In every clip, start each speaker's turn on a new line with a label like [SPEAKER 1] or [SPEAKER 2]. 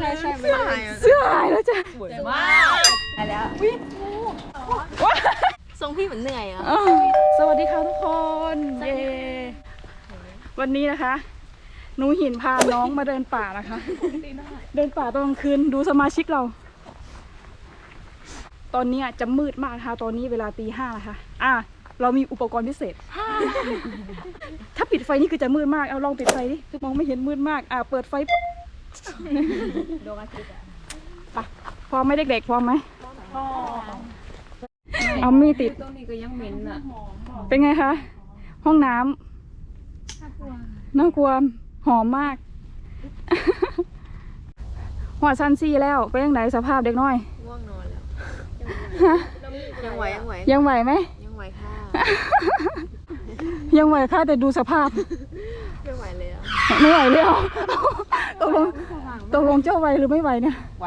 [SPEAKER 1] ช่
[SPEAKER 2] เสื้อหายแล้วจ้ะ
[SPEAKER 1] สวยมากไปแล้วทรงพี่เหมือนเหนื่อยอ่ะ
[SPEAKER 2] สวัสดีค่ะทุกคนเย้วันนี้นะคะหนูหินพาน้องมาเดินป่านะคะเดินป่าตอนกลางคืนดูสมาชิกเรา ตอนนี้จะมืดมากนะคะตอนนี้เวลาตี 5นะคะเรามีอุปกรณ์พิเศษ ถ้าปิดไฟนี่คือจะมืดมากเอาลองปิดไฟดิมองไม่เห็นมืดมากเปิดไฟ
[SPEAKER 1] โดนอาทิตย์
[SPEAKER 2] อ่ะพร้อมไหมเด็กๆพร้อมไหมเอามีดติด
[SPEAKER 1] ต้นนี้ก็ยังเหม็นอ่ะ
[SPEAKER 2] เป็นไงคะห้องน้ำน่ากลัวหอมมากหัวซันซี่แล้วเป็นยังไงสภาพเด็กน้อย
[SPEAKER 1] ง่วงนอนแล้วยังไหว
[SPEAKER 2] ไหม
[SPEAKER 1] ยังไหวค่ะ
[SPEAKER 2] ยังไหวค่ะแต่ดูสภาพ
[SPEAKER 1] ไม่ไหวเลย
[SPEAKER 2] ไม่ไหวเลยตกลงเจ้าไหวหรือไม่ไหวเนี่ย
[SPEAKER 1] ไหว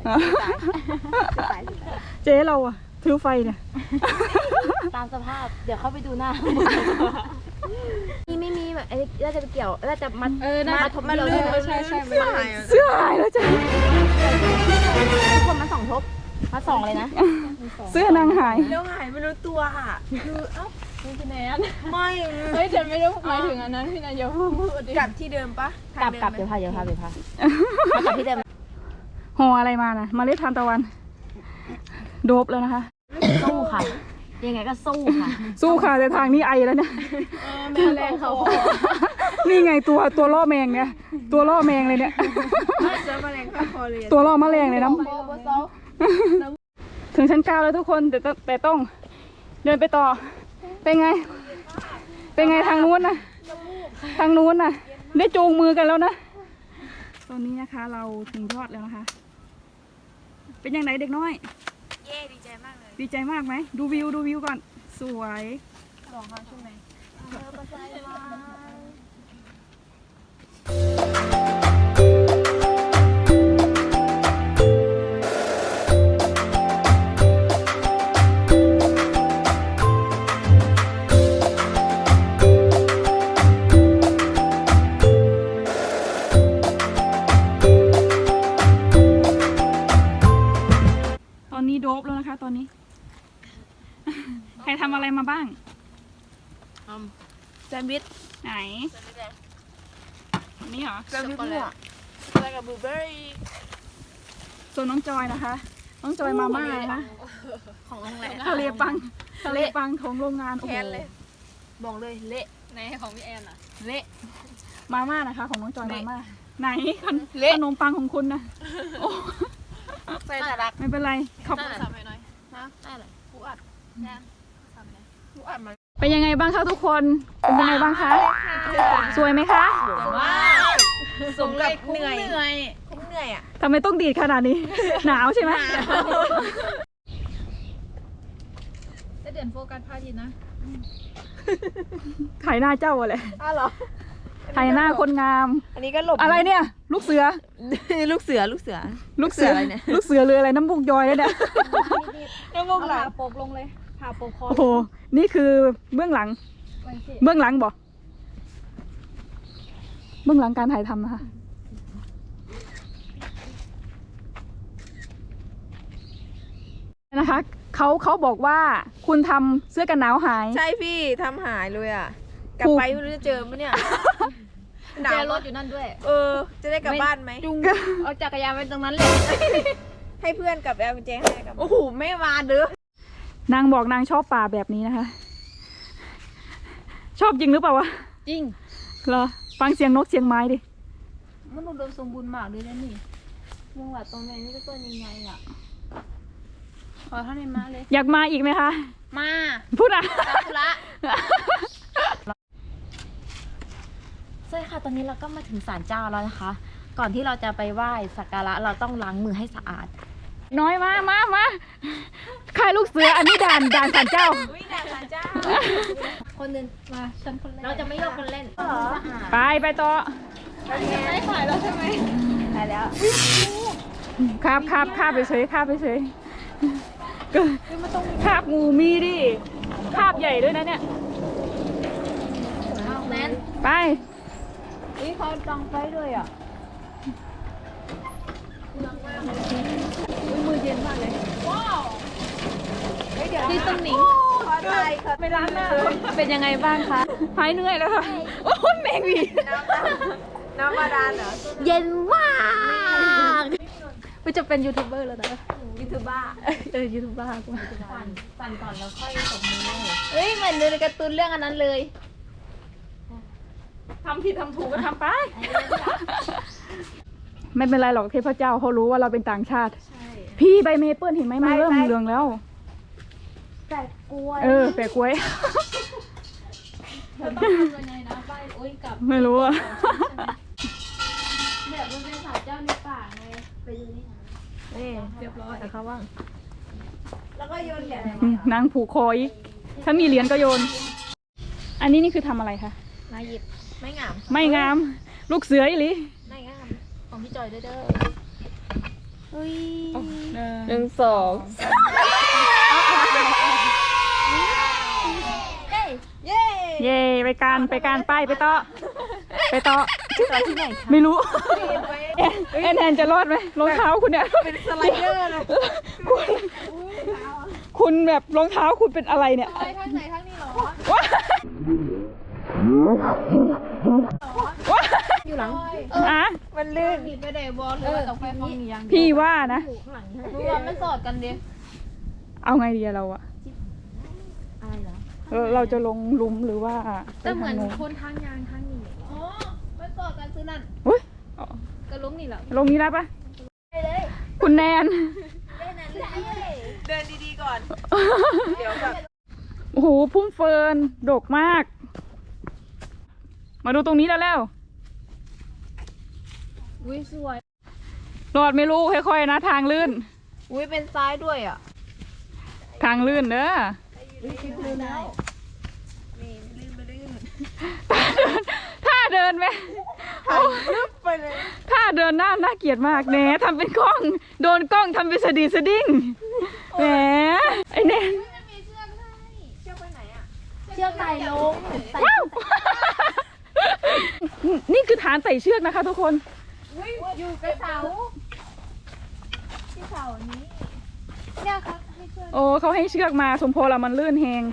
[SPEAKER 2] เจ๊เราอะถือไฟเนี่ย
[SPEAKER 1] ตามสภาพเดี๋ยวเข้าไปดูหน้านี่ไม่มีแบบเราจะไปเกี่ยวเราจะมัดทบเดียวใช่
[SPEAKER 2] เสื้อหายแล้วจ้ะ
[SPEAKER 1] ทุกคนมา2 ทบมา2เลยนะ
[SPEAKER 2] เสื้อนางหาย
[SPEAKER 1] แล้วหายไม่รู้ตัวค่ะคือพี่แนน
[SPEAKER 3] ไม่ฉันไม่ได้หมายถึงอันนั้นพี่แนนอย่าพูด
[SPEAKER 1] กลับที่เดิมปะกลับเดี๋ยวพามากับที่เดิม
[SPEAKER 2] ห่ออะไรมานะเมล็ดทานตะวันโดบแล้วนะคะ
[SPEAKER 1] สู้ค่ะยังไงก็สู้
[SPEAKER 2] ค่ะแต่ทางนี้ไอแล้วเนี่ย
[SPEAKER 3] แม่แรงเขา
[SPEAKER 2] นี่ไงตัวล่อแมงเนี่ยตัวล่อแมงเลยเนี่ยตัวล่อแมลงเลยนะถึงชั้น 9แล้วทุกคนแต่ต้องเดินไปต่อเป็นไงทางนู้นนะได้จูงมือกันแล้วนะตอนนี้นะคะเราถึงยอดแล้วนะคะเป็นยังไงเด็กน้อย
[SPEAKER 1] ดีใจมากเลย
[SPEAKER 2] ดีใจมากไหมดูวิวก่อนสวย
[SPEAKER 1] ลองเขาใช่ไหม
[SPEAKER 2] โดบแล้วนะคะตอนนี้ใครทำอะไรมาบ้าง
[SPEAKER 1] แซนด์วิช
[SPEAKER 2] ไหนนี่เหรอ
[SPEAKER 1] แซนด์วิชอะไรกับบลูเบอร์รี่
[SPEAKER 2] ส่วนน้องจอยนะคะน้องจอยมาม่านะคะ
[SPEAKER 1] ของโรงแรม
[SPEAKER 2] ทะเลปังของโรงงานโอ้โห
[SPEAKER 1] บอกเลยเละ
[SPEAKER 3] ในของพี่แอนอะ
[SPEAKER 1] เละ
[SPEAKER 2] มาม่านะคะของน้องจอยมาม่าไหนขนมปังของคุณนะ
[SPEAKER 1] ใส่ตลัก
[SPEAKER 2] ไม่เป็นไรขอบคุณ
[SPEAKER 3] สับหน่อย
[SPEAKER 1] นะได้เลย
[SPEAKER 3] ผู้อัด
[SPEAKER 1] ผู้อัดมา
[SPEAKER 2] เป็นยังไงบ้างคะทุกคนเป็นยังไงบ้างคะสวยไหมคะ
[SPEAKER 1] สวยมากสมกับเหนื่อยอ่ะ
[SPEAKER 2] ทำไมต้องดีดขนาดนี้หนาวใช่ไหม
[SPEAKER 3] จะเด่นโฟกัสพาทิตนะ
[SPEAKER 2] ถ่ายหน้าเจ้าอะไร
[SPEAKER 1] เหรอ
[SPEAKER 2] ถ่ายหน้าคนงาม
[SPEAKER 1] อันนี้ก็หลบ
[SPEAKER 2] อะไรเนี่ยลูกเสือ
[SPEAKER 1] ลูกเสืออะไรเนี่ย
[SPEAKER 2] ลูกเสือเรืออะไรน้ำบุกยอยแล้วเนี่ย
[SPEAKER 3] น้ำบุกไหลโปกลงเลยผ่าโปกคอ
[SPEAKER 2] โอ้โหนี่คือเบื้องหลังบอกเบื้องหลังการถ่ายทำนะคะเขาบอกว่าคุณทำเสื้อกันหนาวหาย
[SPEAKER 1] ใช่พี่ทำหายเลยอ่ะกลับไปไม่รู้จะเจอไหมเนี่ย
[SPEAKER 3] หนาวรถอยู่นั่นด้วย
[SPEAKER 1] จะได้กลับบ้านไหม
[SPEAKER 3] จุงเอาจักรยานไปตรงนั้นเลย
[SPEAKER 1] ให้เพื่อนกับแอลกุญแจให้กับโอ้โหไม่มาเด้
[SPEAKER 2] อนางบอกนางชอบป่าแบบนี้นะคะชอบจริงหรือเปล่าวะ
[SPEAKER 3] จริง
[SPEAKER 2] เหรอฟังเสียงนกเสียงไม้ดิ
[SPEAKER 3] มันอุดมสมบูรณ์มากเลยนะนี่เมืองหลัดตรงไหนนี่ก็ต้นยังไงอ่ะขอท่านในมาเลย
[SPEAKER 2] อยากมาอีกไหมคะ
[SPEAKER 3] มา
[SPEAKER 2] พูดอ่ะ
[SPEAKER 3] ละ
[SPEAKER 1] ใช่ค่ะตอนนี้เราก็มาถึงศาลเจ้าแล้วนะคะก่อนที่เราจะไปไหว้สักการะเราต้องล้างมือให้สะอาด
[SPEAKER 2] น้อยมาค่ายลูกเสืออันนี้ด่านศาลเจ้า
[SPEAKER 1] ด่านศาลเจ้า
[SPEAKER 3] คนนึงมาฉันคนแรก
[SPEAKER 1] เราจะไม่ยกคนเล่น
[SPEAKER 2] ไปต่อ
[SPEAKER 3] ไม่ถ่ายแล้วใช่ไหม
[SPEAKER 1] ถ่ายแล้ว
[SPEAKER 2] คาบไปเฉยคาบงูมีดิคาบใหญ่ด้วยนะเนี่ยไป
[SPEAKER 3] เขาดังไฟด้วยอ่ะที่ตุ้งหนิงไปล้างหน้าเป็นยังไงบ้างคะหายเหนื่อยแล้วค่ะโอ้ยแมงวี
[SPEAKER 4] น้ำบาดาลเหรอ
[SPEAKER 1] เย็นมาก
[SPEAKER 3] กูจะเป็นยูทูบเบอร์แล้วนะ
[SPEAKER 4] ยูทูบบ้า
[SPEAKER 3] ยูทูบเบอร์กู
[SPEAKER 1] สั่นก่อนแล้วค่อยตบมือ
[SPEAKER 3] เฮ้ยเหมือนดูในการ์ตูนเรื่องอันนั้นเลย
[SPEAKER 2] ทำผิดทำถูกก็ทำไป ไม่เป็นไรหรอกเทพเจ้าเขารู้ว่าเราเป็นต่างชาติ พี่ใบเมเปิ้ลเห็นไหมมันเริ่มเหลืองแล้ว
[SPEAKER 1] แต่กล้วย
[SPEAKER 2] แปะกล้วย
[SPEAKER 3] เราต้องทำยังไงนะใบโอ้ยกับ
[SPEAKER 2] ไม่รู้อะ
[SPEAKER 3] แบบมันเป็นสาวเจ้าในป่าไง
[SPEAKER 1] ไปดูนี่นะ
[SPEAKER 3] นี่เรียบร้อยแต่เขาว่าง
[SPEAKER 4] แล้วก็โยนแกะ
[SPEAKER 2] นางผูกคออีก ถ้ามีเหรียญก็โยน อันนี้นี่คือทำอะไรคะ
[SPEAKER 3] มาหยิบ
[SPEAKER 4] ไม่งาม
[SPEAKER 2] ไม่งาม ลูกเสืออีหลี
[SPEAKER 3] ไม่งามของพี่จอยเด้อ
[SPEAKER 4] หนึ่งสองเย้
[SPEAKER 2] เย่ไปการไปต่อที่ไหนไม่รู้แอนจะรอดไหมรองเท้าคุณเนี่ย
[SPEAKER 4] เป็นสไลเดอร์เลย
[SPEAKER 2] คุณแบบรองเท้าคุณเป็นอะไรเนี่ย
[SPEAKER 3] ไปทางไหนทางนี้หรอ
[SPEAKER 2] ว้า
[SPEAKER 1] อยู่หลัง
[SPEAKER 2] อ่ะ
[SPEAKER 4] มันลื่น
[SPEAKER 3] หนีไปไหนบอลหรือว่าต้องไปฟังนี้ยัง
[SPEAKER 2] พี่ว่านะ
[SPEAKER 3] รู้ว่ามันสอดกันดิ
[SPEAKER 2] เอาไงดีอะเราอะ
[SPEAKER 1] อะไรเหรอ
[SPEAKER 2] เราจะลงหลุมหรือว่า
[SPEAKER 3] แต่เหมือน
[SPEAKER 2] ไปทาง
[SPEAKER 3] คนทางยางทางนี้อ๋อมันสอดกันซื้อนั่น
[SPEAKER 2] อุ๊ยอ๋อ
[SPEAKER 3] ก็ล้มนี่แหละ
[SPEAKER 2] ลงนี้ได้ปะคุณแนน
[SPEAKER 4] เดินดีๆก่อน เดี๋ยวแบบ
[SPEAKER 2] โอ้โหพุ่มเฟิร์นดกมาก มาดูตรงนี้แล้ว
[SPEAKER 3] อุ้ยสวย
[SPEAKER 2] รอดไม่รู้ค่อยๆนะทางลื่น
[SPEAKER 4] อุ้ยเป็นซ้ายด้วยอ่ะ
[SPEAKER 2] ทางลื่นเด้อ ท่าเดินไหม
[SPEAKER 4] ลึบไปเลย
[SPEAKER 2] ท่าเดินน่าเกลียดมากแหนทำเป็นกล้อง โดนกล้องทำเป็นสะดีสะดิ้งแหมไอเนน
[SPEAKER 1] เชือกไต่ลงไต่
[SPEAKER 2] ว้าวนี่คือฐานไต่เชือกนะคะทุกคน
[SPEAKER 3] อยู่กับเสาที่เสานี้เนี่ยครับให้ช่วย
[SPEAKER 2] โอ้เขาให้เชือกมาสมโพละมันลื่นแหง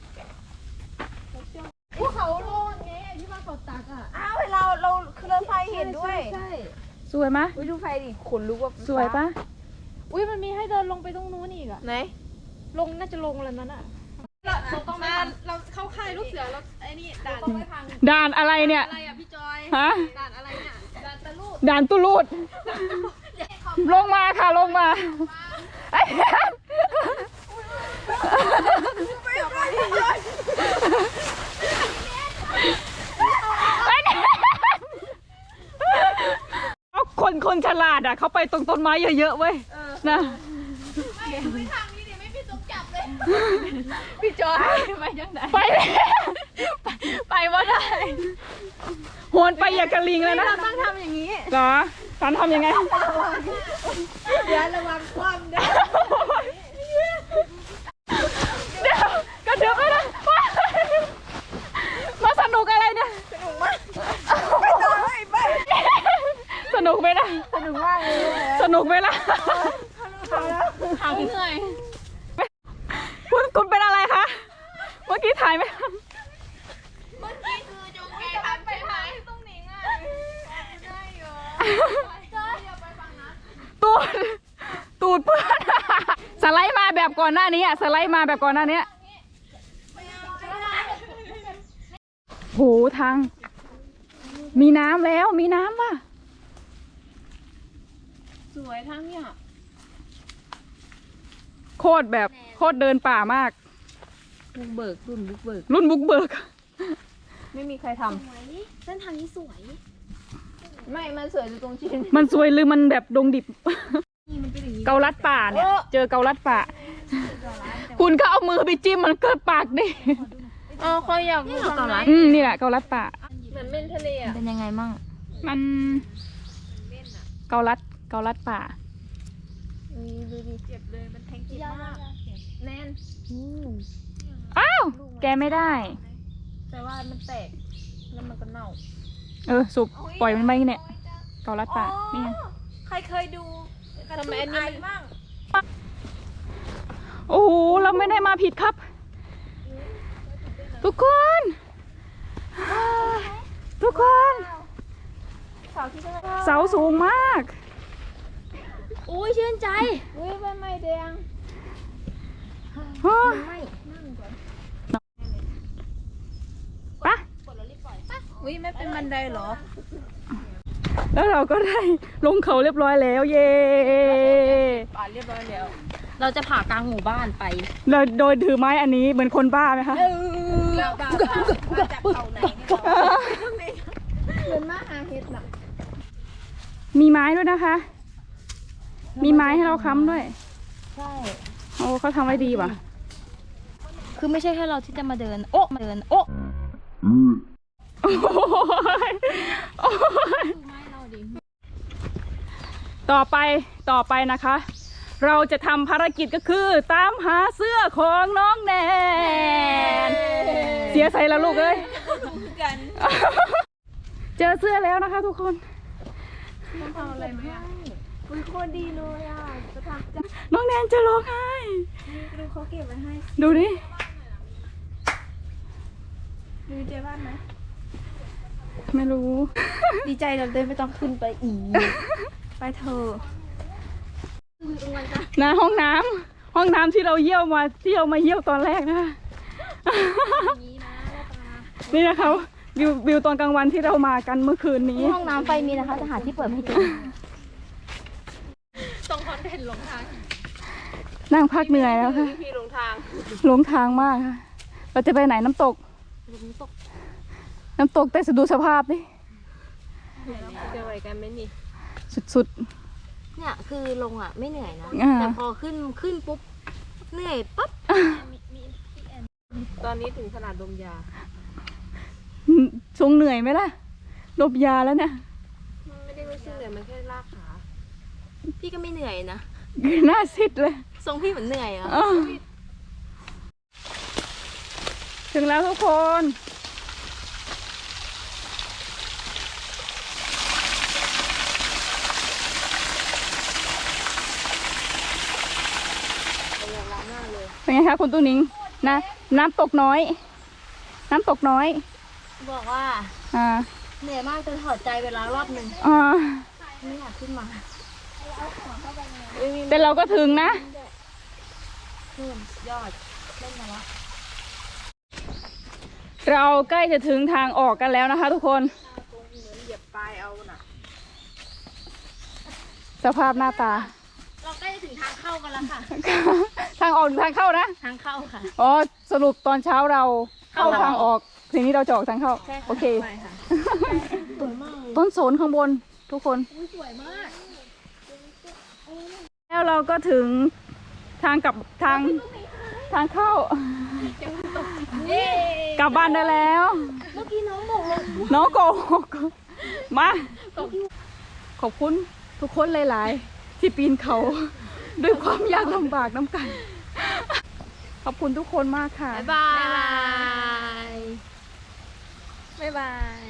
[SPEAKER 3] ภูเขาโล่นไงที่ว่าเขาตักอ่ะ
[SPEAKER 4] อ้าวเราคือรถไฟเห็นด้วย
[SPEAKER 3] ใช่
[SPEAKER 2] สวยไหมะ
[SPEAKER 4] อุ้ยดูไฟดิขนลุกว่า
[SPEAKER 2] สวยปะ
[SPEAKER 3] อุ้ยมันมีให้เดินลงไปตรงนู้นอีกอ่ะ
[SPEAKER 4] ไหน
[SPEAKER 3] ลงน่าจะลงแล้วนั้นอ่ะต้องมาเราเข้าค่ายลูกเสือเราไอ้นี่ด่านต้องไปพัง
[SPEAKER 2] ด่านอะไรเนี่ย
[SPEAKER 3] อะไรอ่ะพี่จอย
[SPEAKER 2] ฮะ
[SPEAKER 3] ด่านอะไรเนี่ยด่านตะลุด
[SPEAKER 2] ด่านตุลูด ลงมาค่ะลงมาไอ้แนนเอาคนฉลาดอ่ะเขาไปตรงต้นไม้เยอะๆเว้ยนะ
[SPEAKER 3] ไม่ทางนี้ดิไม่พี่ตุ๊กจับเลยพี่จอยไปยังไง
[SPEAKER 2] ไปไปว่าได้โหนไปอย่ากระลิงเลยนะ
[SPEAKER 3] เราต้องทำอย่างนี้
[SPEAKER 2] เหรอสันทำยังไง
[SPEAKER 4] เดี๋ยวระวังคว่ำด้วย
[SPEAKER 2] เดี๋ยวกระเดือบไปนะมาสนุกอะไรเนี่ย
[SPEAKER 4] ไม่ต้องให้ไป
[SPEAKER 2] สนุกไหมนะ
[SPEAKER 4] สนุกมากเลย
[SPEAKER 2] สนุกไหมล่ะ
[SPEAKER 3] หางเหนื่อย
[SPEAKER 2] คุณเป็นอะไรคะ เมื่อกี้ถ่ายไหม
[SPEAKER 3] เมื่อกี้คือจงแกทำไปหายตรงนี้อ่ะได้อยู่จอยอย่าไปฟังนะ
[SPEAKER 2] ตูดเพื่อนสไลด์มาแบบก่อนหน้านี้อะสไลด์มาแบบก่อนหน้านี้โหทาง มีน้ำแล้วมีน้ำว่ะ
[SPEAKER 3] สวยทั้งเนี่ย
[SPEAKER 2] โคตรแบบโคตรเดินป่ามาก
[SPEAKER 4] บุกเบิกรุ่นบุกเบิก
[SPEAKER 2] รุ่นบุกเบิก
[SPEAKER 4] ไม่มีใครท
[SPEAKER 1] เส้นทางนี้สวย
[SPEAKER 4] ำไม่มันสวยอยู่ตรงชิ้น
[SPEAKER 2] มันสวยหรือมันแบบดงดิบ เกาลัดป่าเนี่ย เจอเกาลัดป่า คุณก็เอามือไปจิ้มมันเกิดปากดิ
[SPEAKER 3] อ๋อเขาอยากดูทำไร
[SPEAKER 2] นี่แหละเกาลัดป่า
[SPEAKER 3] เหมือนเม่นทะเลอ่ะ
[SPEAKER 1] เป็นยังไงมั่ง
[SPEAKER 2] มันเกาลัดป่า
[SPEAKER 3] ดูดิเจ็บเลยมันแทงจิตมากแน่น
[SPEAKER 2] อ้าว แกไม่ได้
[SPEAKER 3] แต่ว่ามันแตกแล้วมันก็เน่า
[SPEAKER 2] สุบปล่อยมันไปเนี่ย เกาลัดป่า นี่ไง
[SPEAKER 4] ใครเคยดู
[SPEAKER 3] ทำไมอันนี้มัน
[SPEAKER 4] บ้าง
[SPEAKER 2] โอ้โหเราไม่ได้มาผิดครับ ทุกคนทุกคนเสาสูงมาก
[SPEAKER 1] อุ้ยชื่นใจ
[SPEAKER 3] อุ้ยใบไม้แดง
[SPEAKER 1] ไม่
[SPEAKER 2] ปะ
[SPEAKER 3] อุ้ยไม่เป็นบันไดเหรอ
[SPEAKER 2] แล้วเราก็ได้ลงเขาเรียบร้อยแล้ว เย่
[SPEAKER 3] ป่านเรียบร้อยแล้ว
[SPEAKER 1] เราจะผ่ากลางหมู่บ้านไป
[SPEAKER 2] โดยถือไม้อันนี้เหมือนคนบ้าไหมคะ
[SPEAKER 4] เราบ้ามาจากเขาไหนเนี่ยเรา
[SPEAKER 3] เดินมาหาเห็ดน่ะ
[SPEAKER 2] มีไม้ด้วยนะคะ มีไม้ให้เราค้ำด้วย
[SPEAKER 1] ใช่
[SPEAKER 2] โอ้เขาทำไว้ดีว่ะ
[SPEAKER 1] คือไม่ใช่แค่เราที่จะมาเดิน โอ๊ะมาเดิน โอ๊ะ
[SPEAKER 2] โอ้ยโอ้ยต่อไปนะคะ เราจะทำภารกิจก็คือตามหาเสื้อของน้องแนน เสียใจแล้วลูกเอ้ย
[SPEAKER 4] กัน
[SPEAKER 2] เจอเสื้อแล้วนะคะทุกคน
[SPEAKER 3] ต้องทำอะไรไหมอ่ะอุ้ยโคตรดีเลยอ่ะจะทำ
[SPEAKER 2] น้องแนนจะร้องไห้
[SPEAKER 3] ดูเขาเก็บไว้ให้
[SPEAKER 2] ดูดิ
[SPEAKER 3] ดูเจ๊บ้านไหม
[SPEAKER 2] ไม่รู้
[SPEAKER 3] ดีใจเราเดินไม่ต้องขึ้นไปอีก ไปเถอะ
[SPEAKER 2] นะห้องน้ำที่เราเยี่ยวมาที่เรามาเยี่ยวตอนแรกนะคะนี่นะคะวิวตอนกลางวันที่เรามากันเมื่อคืนนี้
[SPEAKER 1] ห้องน้ำไฟมีนะคะจะหาที่เปิดให้ดู
[SPEAKER 2] นั่งพักเหนื่อยแล้วค่ะ
[SPEAKER 4] พี่ลงทาง
[SPEAKER 2] หลงทางมากค่ะเราจะไปไหนน้ำตก น้ำตกแต่ดูสภาพดิ
[SPEAKER 4] จะไหวกันไหมนี่
[SPEAKER 2] สุด
[SPEAKER 1] เนี่ยคือลงอ่ะไม่เหนื่อยนะ
[SPEAKER 2] อ่า
[SPEAKER 1] แต่พอขึ้นปุ๊บเหนื่อยปั๊บ
[SPEAKER 4] ตอนนี้ถึงขนาดดมยา
[SPEAKER 2] ๆทรงเหนื่อยไหมล่ะลบยาแล้วเนี่ย
[SPEAKER 4] ไม่ได้รู้สึกเลยมันแค่ลากขา
[SPEAKER 1] พี่ก็ไม่เหนื่อยนะ
[SPEAKER 2] หน้าซิดเลย
[SPEAKER 1] ทรงพี่เหมือนเหนื่อยอ่ะ
[SPEAKER 2] อ้าวถึงแล้วทุกคน เป็นไงคะคุณตุ้นิงนะน้ำตกน้อย น้ำตกน้อย
[SPEAKER 1] บอกว่า
[SPEAKER 2] อ่า
[SPEAKER 1] เหนื่อยมากจนถอดใจเวลารอบหนึ่ง
[SPEAKER 2] อ่า
[SPEAKER 1] ไม่อยากขึ้นมา
[SPEAKER 2] แต่เราก็ถึงนะ
[SPEAKER 1] ขึ้นยอดเล่นมาละ
[SPEAKER 2] เราใกล้จะถึงทางออกกันแล้วนะคะทุกคน
[SPEAKER 4] เหยียบปลายเอาน่ะ
[SPEAKER 2] สภาพหน้าตา
[SPEAKER 1] เราใกล้จะถึงทางเข้ากันแล้วค่ะ
[SPEAKER 2] ทางออกหรือทางเข้านะ
[SPEAKER 1] ทางเข้าค่ะ
[SPEAKER 2] อ๋อสรุปตอนเช้าเราเข้า
[SPEAKER 1] เข้า
[SPEAKER 2] ทางออกทีนี้เราจะออกทางเข้า
[SPEAKER 1] ใช่ค่ะ
[SPEAKER 2] โอเค
[SPEAKER 1] ไปค่ะ
[SPEAKER 2] ต้นโสนข้างบนทุกคนแล้วเราก็ถึงทางกลับทางเข้ากลับบ้านได้แล้ว
[SPEAKER 1] เมื่อกี้น้องบอกเลย
[SPEAKER 2] น้องโกหกมาขอบคุณทุกคนหลาย ๆ ที่ปีนเขา ด้วยความยากลำบากน้ำกัน ขอบคุณทุกคนมากค่ะ
[SPEAKER 1] บ๊ายบาย
[SPEAKER 3] บ๊ายบาย